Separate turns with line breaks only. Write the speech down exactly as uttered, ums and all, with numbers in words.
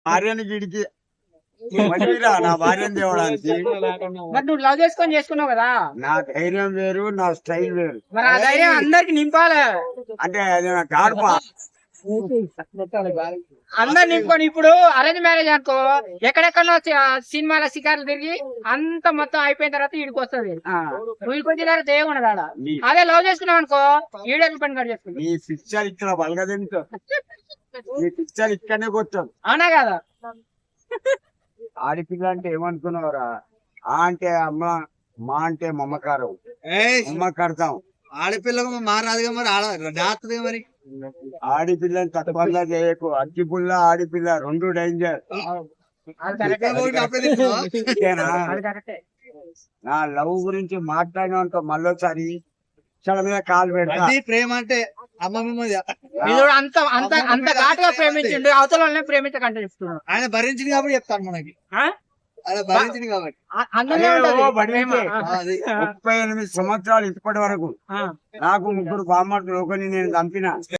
భార్యని గిడికి మడిరా నా భార్యను తేవడానికి.
మరి నువ్వు లవ్ చేసుకొని చేసుకున్నావు కదా,
నా ధైర్యం వేరు, నా స్టైల్ వేరు.
మరి ఆ ధైర్యం అందరికి నింపాలి.
అంటే అది నా గాడ్పా.
అందరు నింపుకొని ఇప్పుడు అరేంజ్ మ్యారేజ్ అనుకో, ఎక్కడెక్కడో సినిమాల శిఖర్లు తిరిగి అంత మొత్తం అయిపోయిన తర్వాత ఈడికి వస్తుంది. వీడికి వచ్చిన తర్వాత ఏముండదు ఆడ. అదే లవ్ చేసుకున్నావు అనుకో, ఈడేళ్ళ పని కట్ చేసుకుంటాం.
నీ పిక్చర్ ఇక్కడ బలగదింటూ నీ పిక్చర్ ఇక్కడనే కూర్చోదు.
అవునా కదా?
ఆడపిల్ల అంటే ఏమనుకున్నావురా? ఆ అంటే అమ్మ, మా అంటే మమ్మకారం, మమ్మకడతాం.
ఆడపిల్లకు మారాదుగా మరి ఆడ జాగ్రత్తగా మరి.
ఆడపిల్లని తక్కువగా చేయకు. అగ్గి పుల్ల ఆడపిల్ల రెండు డేంజర్. నా లవ్ గురించి మాట్లాడినంత మళ్ళొకసారి చల మీద కాలు పెడతా.
ప్రేమ అంటే అమ్మ మీద
అంత అంత అంత ఘాటుగా ప్రేమించండి, అవతల వాళ్ళని ప్రేమించకంటే చెప్తున్నాడు.
ఆయన భరించింది కాబట్టి చెప్తాను మనకి. ఆయన భరించింది కాబట్టి
అందులో ఉంటది ప్రేమ.
ముప్పై ఎనిమిది సంవత్సరాలు ఇప్పటి వరకు నాకు ముగ్గురు బామ్మర్తులు ఒకరిని నేను చంపిన.